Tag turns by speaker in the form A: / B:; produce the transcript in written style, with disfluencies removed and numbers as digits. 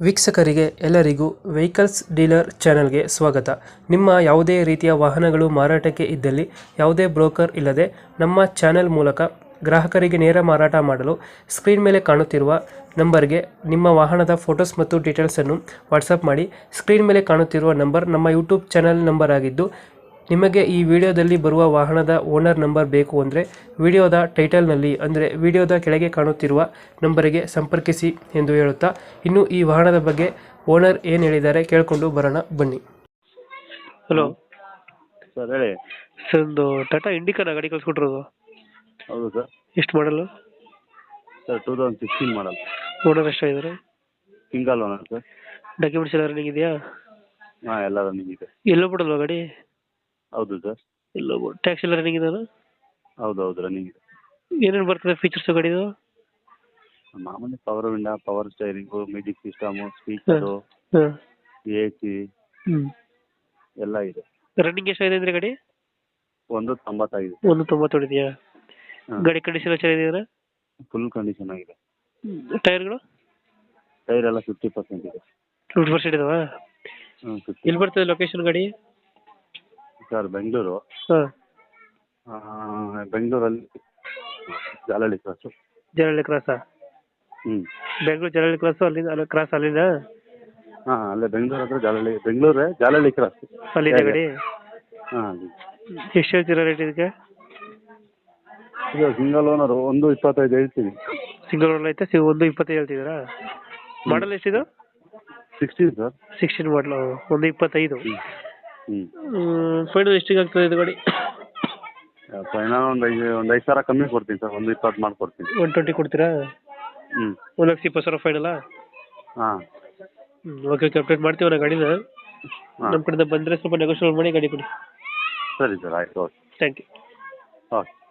A: ವೀಕ್ಷಕರಿಗೆ ಎಲ್ಲರಿಗೂ vehicles dealer ಚಾನೆಲ್ಗೆ ಸ್ವಾಗತ. ನಿಮ್ಮ ಯಾವುದೇ ರೀತಿಯ ವಾಹನಗಳು ಮಾರಾಟಕ್ಕೆ ಇದ್ದಲ್ಲಿ ಯಾವುದೇ ಬ್ರೋಕರ್ ಇಲ್ಲದೆ ನಮ್ಮ ಚಾನೆಲ್ ಮೂಲಕ ಗ್ರಾಹಕರಿಗೆ ನೇರ ಮಾರಾಟ ಮಾಡಲು ಸ್ಕ್ರೀನ್ ಮೇಲೆ ಕಾಣುತ್ತಿರುವ ನಂಬರ್ಗೆ ನಿಮ್ಮ ವಾಹನದ ಫೋಟೋಸ್ ಮತ್ತು ಡೀಟೇಲ್ಸನ್ನು ವಾಟ್ಸಪ್ ಮಾಡಿ. ಸ್ಕ್ರೀನ್ ಮೇಲೆ ಕಾಣುತ್ತಿರುವ ನಂಬರ್ ನಮ್ಮ ಯೂಟ್ಯೂಬ್ ಚಾನೆಲ್ ನಂಬರ್ ಆಗಿದ್ದು, ನಿಮಗೆ ಈ ವಿಡಿಯೋದಲ್ಲಿ ಬರುವ ವಾಹನದ ಓನರ್ ನಂಬರ್ ಬೇಕು ಅಂದರೆ ವಿಡಿಯೋದ ಟೈಟಲ್ನಲ್ಲಿ ಅಂದರೆ ವಿಡಿಯೋದ ಕೆಳಗೆ ಕಾಣುತ್ತಿರುವ ನಂಬರಿಗೆ ಸಂಪರ್ಕಿಸಿ ಎಂದು ಹೇಳುತ್ತಾ, ಇನ್ನು ಈ ವಾಹನದ ಬಗ್ಗೆ ಓನರ್ ಏನು ಹೇಳಿದ್ದಾರೆ ಕೇಳಿಕೊಂಡು ಬರೋಣ ಬನ್ನಿ. ಹಲೋ
B: ಸರ್ ಹೇಳಿ.
A: ಸರ್, ಒಂದು ಟಾಟಾ ಇಂಡಿಕಾನ ಗಾಡಿ ಕಳಿಸ್ಕೊಟ್ರೋದು?
B: ಹೌದು ಸರ್.
A: ಎಷ್ಟು ಮಾಡಲು?
B: Sir 2016 model.
A: ಓನರ್ ಎಷ್ಟಾಗಿದ್ದಾರೆ?
B: Single owner sir.
A: ಡಾಕ್ಯುಮೆಂಟ್ಸ್ ಎಲ್ಲ ರನ್ನಿಂಗ್ ಇದೆಯಾ?
B: ಹಾಂ, ಎಲ್ಲ ರನ್ನಿಂಗ್ ಇದೆ.
A: ಎಲ್ಲೋ ಬಿಡಲ್ವಾ ಗಾಡಿ?
B: ಹೌದು ಸರ್.
A: ಎಲ್ಲೋ ಟ್ಯಾಕ್ಸ್ ಎಲ್ಲ ರನ್ನಿಂಗ್ ಇದೆಯಾ?
B: ಹೌದು ಹೌದು ರನ್ನಿಂಗ್ ಇದೆ.
A: ಏನೇನು ಬರ್ತದೆ ಫೀಚರ್ಸ್ ಗಾಡಿದು?
B: ಮಾಮೂಲಿ power window, power steering, music system, speaker,
A: ಹಾಂ.
B: AC ಎಲ್ಲ ಇದೆ.
A: ರನ್ನಿಂಗ್ ಎಷ್ಟಾಗಿದೆ ಅಂದರೆ ಗಾಡಿ?
B: 190 ಆಗಿದೆ.
A: 190 ಹೊಡಿದೆಯಾ?
B: ಹಾಂ.
A: ಗಾಡಿ ಕಂಡೀಷನ್ ಚೆನ್ನಾಗಿದೆಯಾ?
B: ಫುಲ್ ಕಂಡೀಷನ್ ಆಗಿದೆ.
A: ಟೈರ್ಗಳು?
B: ಟೈರ್ ಎಲ್ಲ 50% ಇದೆ.
A: 50% ಇದಾವಾ?
B: ಹ್ಞೂ 50.
A: ಎಲ್ಲಿ ಬರ್ತದೆ ಲೊಕೇಶನ್ ಗಾಡಿ?
B: ಸರ್ ಬೆಂಗಳೂರು.
A: ಹಾಂ.
B: ಬೆಂಗಳೂರಲ್ಲಿ ಜಾಲಹಳ್ಳಿ ಕ್ರಾಸು.
A: ಜಲಹಳ್ಳಿ ಕ್ರಾಸಾ?
B: ಹ್ಞೂ.
A: ಬೆಂಗಳೂರು ಜಲಹಳ್ಳಿ ಕ್ರಾಸು, ಅಲ್ಲಿಂದ ಅಲ್ಲಿ ಕ್ರಾಸ್ ಅಲ್ಲಿಂದ?
B: ಹಾಂ, ಅಲ್ಲೇ ಬೆಂಗಳೂರು ಹತ್ರ ಜಾಲಹಳ್ಳಿ, ಬೆಂಗಳೂರೇ ಜಾಲಹಳ್ಳಿ ಕ್ರಾಸ್
A: ಅಲ್ಲಿಂದ ಗಾಡಿ?
B: ಹಾಂ.
A: ಎಷ್ಟು ಹೇಳ್ತೀರಾ ರೇಟ್ ಇದಕ್ಕೆ?
B: ಇದು ಸಿಂಗಲ್ ಓನರು 125 ಹೇಳ್ತೀನಿ.
A: ಸಿಂಗಲ್ ಓನರ್ ಐತೆ, 120 ಹೇಳ್ತಿದ್ದೀರಾ? ಮಾಡಲ್ ಎಷ್ಟಿದು?
B: 16 ಸರ್.
A: 16 ಮಾಡಲು, 125.
B: ಹ್ಞೂ.
A: ಫೈನಲ್ ಎಷ್ಟಿಗೆ ಆಗ್ತದೆ ಇದು ಗಾಡಿ?
B: ಫೈನಲ್ ಒಂದು 5,000 ಕಮ್ಮಿ ಕೊಡ್ತೀನಿ ಸರ್. 120 ಮಾಡಿಕೊಡ್ತೀನಿ.
A: 120 ಕೊಡ್ತೀರಾ?
B: ಹ್ಞೂ.
A: 1,20,000 ಫೈನಲ್ಲ?
B: ಹಾಂ.
A: ಓಕೆ ಓಕೆ, ಅಪ್ಡೇಟ್ ಮಾಡ್ತೀವಿ ನಾ ಗಾಡಿನ.
B: ಹಾಂ.
A: ನಮ್ಮ ಕಡೆಯಿಂದ ಬಂದರೆ ಸ್ವಲ್ಪ ನೆಗೋಷಿಯೇಟ್ ಮಾಡಿ ಗಾಡಿ ಕೊಡಿ.
B: ಸರಿ ಸರ್, ಆಯಿತು. ಓಕೆ.
A: Thank you.
B: ಓಕೆ.